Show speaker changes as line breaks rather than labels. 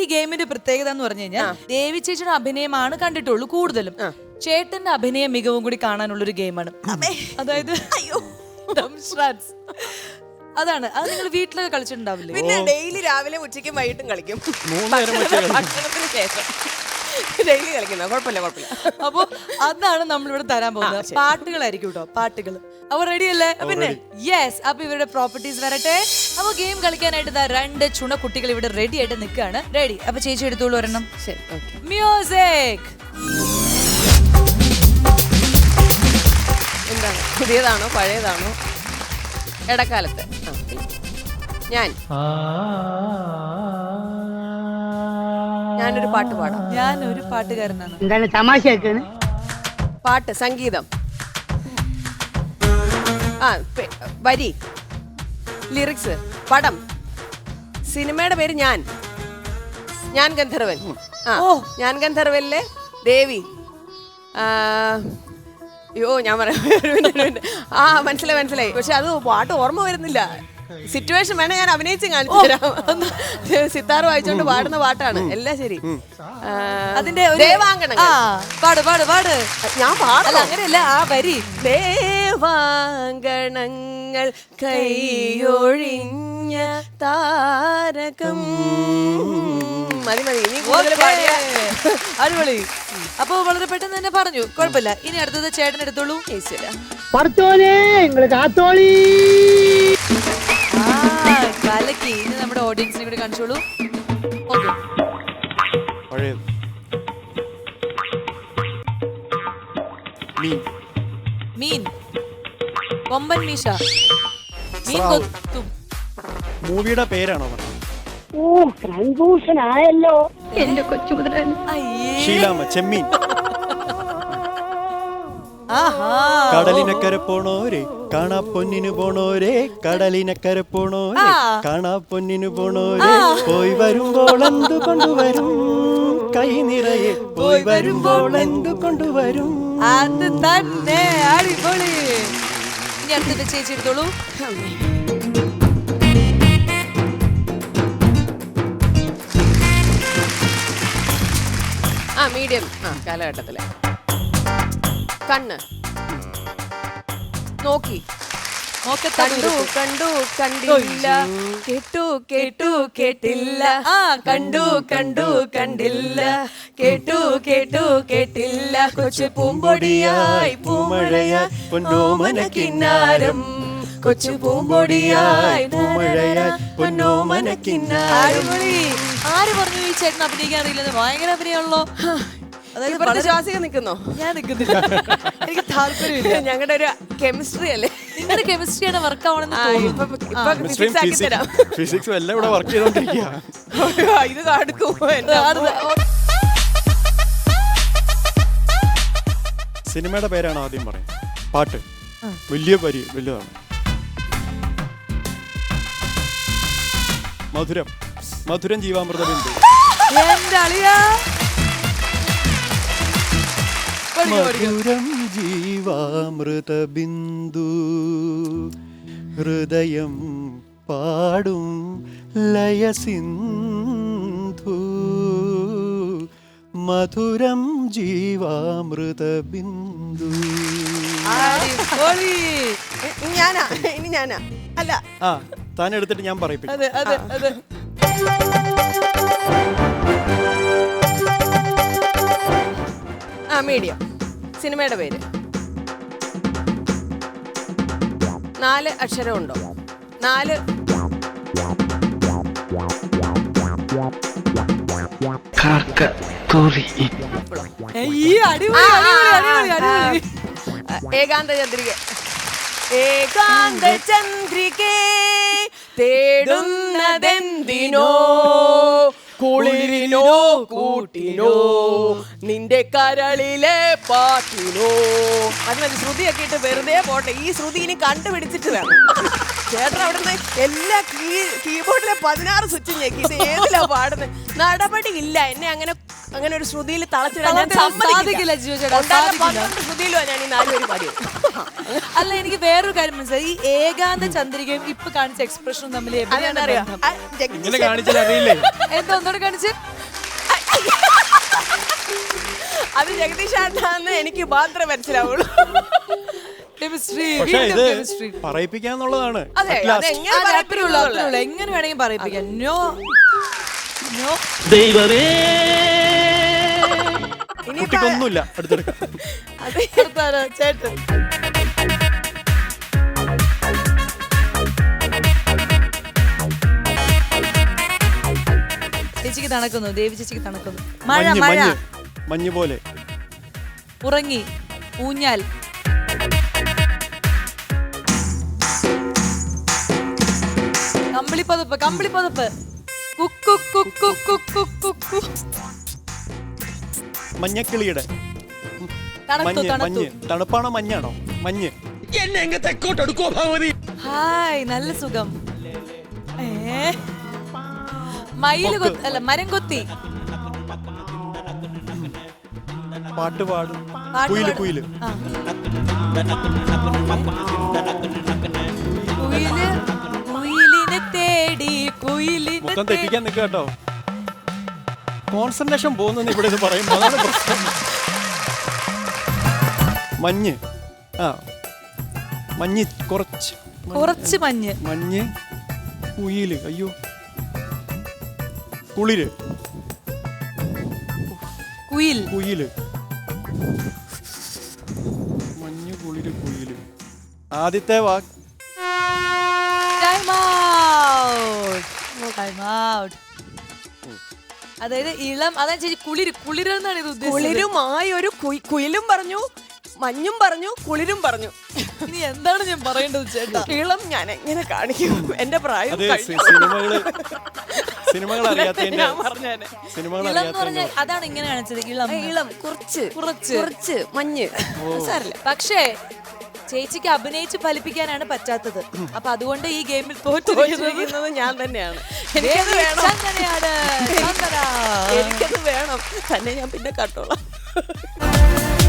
ഗെയിമിന്റെ പ്രത്യേകത എന്ന് പറഞ്ഞു കഴിഞ്ഞാൽ ദേവി ചേച്ചിയുടെ അഭിനയമാണ് കണ്ടിട്ടുള്ളൂ കൂടുതലും. ചേട്ടന്റെ അഭിനയ മികവും കൂടി കാണാനുള്ള ഒരു ഗെയിമാണ്. അതായത് അതാണ്. അത് നിങ്ങൾ വീട്ടിലൊക്കെ കളിച്ചിട്ടുണ്ടാവില്ലേ?
പിന്നെ ഡെയിലി രാവിലെ ഉച്ചയ്ക്കും വൈകിട്ടും കളിക്കും. ഭക്ഷണത്തിന് ശേഷം ഡെയിലി കളിക്കുന്ന കുഴപ്പമില്ല.
അപ്പൊ അതാണ് നമ്മളിവിടെ തരാൻ പോകുന്നത്. പാട്ടുകളായിരിക്കും കേട്ടോ, പാട്ടുകൾ. അപ്പൊ റെഡി അല്ലേ? പിന്നെ യെസ്. അപ്പൊ ഇവരുടെ പ്രോപ്പർട്ടീസ് വരട്ടെ. അപ്പൊ ഗെയിം കളിക്കാനായിട്ട് 2 ചുണക്കുട്ടികൾ ഇവിടെ റെഡി ആയിട്ട് നിൽക്കുകയാണ്. റെഡി? അപ്പൊ ചേച്ചി എടുത്തോളൂ ഒരെണ്ണം. മ്യൂസിക്.
എന്താണ്, പുതിയതാണോ പഴയതാണോ? ഇടക്കാലത്ത് ഞാനൊരു പാട്ട് പാടാം.
ഞാനൊരു പാട്ടുകാരനാണ്.
എന്താണ് തമാശയാക്കാണ്?
പാട്ട്, സംഗീതം, വരി, ലിറിക്സ്, പടം, സിനിമയുടെ പേര് ഞാൻ ഗന്ധർവൻ. ഞാൻ ഗന്ധർവനിലെ ദേവി. അയ്യോ ഞാൻ പറയാം. മനസ്സിലായി. പക്ഷെ അത് പാട്ട് ഓർമ്മ വരുന്നില്ല. സിറ്റുവേഷൻ വേണേ ഞാൻ അഭിനയിച്ച് കാണിച്ചു തരാം. സിത്താർ വായിച്ചോണ്ട് പാടുന്ന പാട്ടാണ്. എല്ലാം ശരി.
അതിന്റെ
ദേവാങ്കണങ്ങൾ. ഞാൻ പാടല്ല,
അങ്ങനെയല്ല. ആ വരി
ദേവാങ്കണങ്ങൾ കൈയൊഴിഞ്ഞ താരകം. മതി.
അടിപൊളി. അപ്പൊ വളരെ പെട്ടെന്ന് തന്നെ പറഞ്ഞു. കുഴപ്പമില്ല. ഇനി അടുത്തത് ചേട്ടൻ എടുത്തോളൂ. കലക്കി. ഇനി നമ്മുടെ ഓഡിയൻസിനെ കൂടി കാണിച്ചോളൂ. മീൻ, കൊമ്പൻ മീശ, മീൻ കൊത്തും.
മൂവിയുടെ പേരാണോ?
കൺഫ്യൂഷൻ ആയല്ലോ എന്റെ കൊച്ചുമുദ്രൻ.
ഷീലാമ്മ, ചെമ്മീൻ. കടലിനക്കര പോണോരെ കാണാ പൊന്നിനു പോണോരെ, കടലിനക്കര പോണോരെ കാണാ പൊന്നിനു പോണോരെ, പോയി വരുമ്പോൾ എന്തു കൊണ്ടുവരും കൈ നിറയെ, പോയി വരുമ്പോൾ എന്തു കൊണ്ടുവരും.
അത് തന്നെ. അടിപൊളി. ഇനി അടുത്തത് ചേച്ചി എടുത്തോളൂ.
മീഡിയം കാലഘട്ടത്തിലെ കണ്ണ് നോക്കി, കണ്ടു കണ്ടില്ല, കേട്ടു കേട്ടില്ല, കണ്ടു കണ്ടില്ല, കേട്ടു കേട്ടില്ല, കൊച്ചു പൂമ്പൊടിയായി പൂമഴയായി പൊന്നോമന കിന്നാരം, കൊച്ചു പൂമ്പൊടിയായി പൂമഴയായി പൊന്നോമന കിന്നാരം.
ആര് പറഞ്ഞു ഈ ചേട്ടൻ അഭിനയിക്കാൻ അറിയില്ലെന്ന്? ഭയങ്കര അഭിനയമാണല്ലോ.
അതായത് ശ്വാസിക നിൽക്കുന്നോ?
ഞാൻ നിൽക്കുന്നില്ല, എനിക്ക് താല്പര്യമില്ല.
ഞങ്ങളുടെ ഒരു കെമിസ്ട്രി അല്ലേ?
നിങ്ങളുടെ കെമിസ്ട്രിയാണ് വർക്ക് ആവണമെന്ന്.
ഫിസിക്സും എല്ലാം ഇവിടെ വർക്ക് ചെയ്തോണ്ടിരിക്കുക.
ഇത് കാണിക്കും.
സിനിമയുടെ പേരാണ് ആദ്യം പറയാം. പാട്ട് വലുതാണ്. മധുരം ജീവാമൃത ബിന്ദു. മധുരം ജീവാമൃത ബിന്ദു, ഹൃദയം പാടും ലയസിന്ധു, മധുരം ജീവാമൃത ബിന്ദു.
ഇനി ഞാനാ അല്ല,
താൻ എടുത്തിട്ട് ഞാൻ പറയിപ്പിക്കും.
മീഡിയം. സിനിമയുടെ പേര് 4 അക്ഷരമുണ്ടോ? 4 ഏകാന്ത ചന്ദ്രിക. ഏകാന്ത ചന്ദ്രികേ തേടുന്നതെന്തിനോ, കുളിരിനോ കൂട്ടിനോ, നിന്റെ കരളിലെ പാട്ടിനോ. അത് ശ്രുതിയൊക്കെ ഇട്ട് വെറുതെ പോട്ടെ. ഈ ശ്രുതി ഇനി കണ്ടുപിടിച്ചിട്ട് വേണം. ചേട്ടൻ അവിടുന്ന് എല്ലാ കീബോർഡിലെ 16 സ്വിച്ചും ഞെക്കി. ഇത് ഏതിലാ പാടുന്നത്? നടപടി ഇല്ല. എന്നെ അങ്ങനെ ഒരു ശ്രുതിയിൽ തളച്ചിടാൻ ഞാൻ
സാധിക്കില്ല ജിജോ ചേട്ടാ, സാധിക്കില്ല.
ശ്രുതിയിലോ ഞാൻ ഈ 4 പേര് പാടിയത്.
അല്ല, എനിക്ക് വേറൊരു കാര്യം മനസ്സിലായി. ഈ ഏകാന്ത ചന്ദ്രികയും ഇപ്പൊ കാണിച്ച എക്സ്പ്രഷനും തമ്മിൽ എവിടെയാണ്
അറിയാം.
ബന്ധം?
ഇങ്ങനെ കാണിച്ചാൽ അറിയില്ലേ?
എന്താ ഒന്നുകൂടെ കാണിച്ച്?
അത് ജഗദീഷ് ആണെന്ന് എനിക്ക് മാത്രമേ മനസ്സിലാവുള്ളൂ.
കെമിസ്ട്രി,
പക്ഷെ ഇത്
കെമിസ്ട്രി.
പറയിപ്പിക്കാന്നുള്ളതാണ്.
അതെ,
At last.
അതെങ്ങനെ
അത്രേ ഉള്ളൂ. എങ്ങനെ വേണമെങ്കിൽ പറയിപ്പിക്കാം. No no.
കുട്ടിക്കൊന്നുമില്ല, അടുത്തെടുക്കാം.
അടുത്താരാ? ചേട്ടൻ. ചേച്ചിക്ക് തണുക്കുന്നു, ദേവി ചേച്ചിക്ക് തണുക്കുന്നു. മഴ
മഞ്ഞ്,
മഴ.
മഞ്ഞ്, മഞ്ഞ് പോലെ.
ഉറങ്ങി, ഊഞ്ഞാൽ. കമ്പിളിപ്പതപ്പ്, കമ്പിളിപ്പതപ്പ്. കുക്കു കുക്കു കുക്കു കുക്കു.
മഞ്ഞക്കിളിയുടെ
തണുത്തു,
മഞ്ഞ്,
തണുത്തു.
മഞ്ഞ്. തണുപ്പാണോ മഞ്ഞാണോ? മഞ്ഞ്.
ഹായ്, നല്ല സുഖം. മയില് കൊത്തി, അല്ല മരം കൊത്തി.
പാട്ട് പാടും.
പാട്ട്
കുയില്,
പാടും.
കുയില്.
ആ. കുയില്, കുയിലിനെ തേടി, കുയിലിനെ
മൊത്തം
തേടി.
തെറ്റിക്കാൻ നിൽക്കുക കേട്ടോ. കോൺസെൻട്രേഷൻ പോകുന്നെന്ന് ഇവിടെ ഇത് പറയുമ്പോൾ അതാണ് പ്രശ്നം. മഞ്ഞ്. ആ, മഞ്ഞ് കുറച്ച്.
കുറച്ച് മഞ്ഞ്.
മഞ്ഞ്, കുയില്. അയ്യോ, കുളിര്.
കുയിൽ.
കുയില്. മഞ്ഞ്, കുളിര്, കുയില്. ആദ്യത്തെ വാക്ക്
Time out. Time out. അതായത് ഇളം, അതാ ചേച്ചി കുളിര്, കുളിരെന്നാണ് ഇത് ഉദ്ദേശിച്ചത്.
കുളിരുമായി ഒരു കുയിലും പറഞ്ഞു, മഞ്ഞും പറഞ്ഞു, കുളിരും പറഞ്ഞു.
ഇനി എന്താണ് ഞാൻ പറയേണ്ടത് ചേട്ടാ?
ഇളം ഞാൻ എങ്ങനെ കാണിക്കും? എന്റെ പ്രായം
അത്
കഴിഞ്ഞു.
സിനിമകൾ അറിയാത്തതിന്റെ
ഞാൻ പറഞ്ഞേനെ.
സിനിമകൾ
ഇളം എന്ന്
അറിയാത്തതിന്റെ
പറഞ്ഞാൽ അതാണ് ഇങ്ങനെ കാണിച്ചത്. ഇളം,
ഇളം, കുറച്ച്
കുറച്ച്.
കുറച്ച് മഞ്ഞ്. സാരില്ല.
പക്ഷേ ചേച്ചിക്ക് അഭിനയിച്ച് ഫലിപ്പിക്കാനാണ് പറ്റാത്തത്. അപ്പൊ അതുകൊണ്ട് ഈ ഗെയിമിൽ തോറ്റിരിക്കുന്നത്
തോറ്റിരിക്കുന്നത് ഞാൻ തന്നെയാണ്. എനിക്കത് വേണം.
ചന്ദനയാണ്. ചന്ദന.
എനിക്കത് വേണം. തന്നെ ഞാൻ പിന്നെ കട്ടോളാം.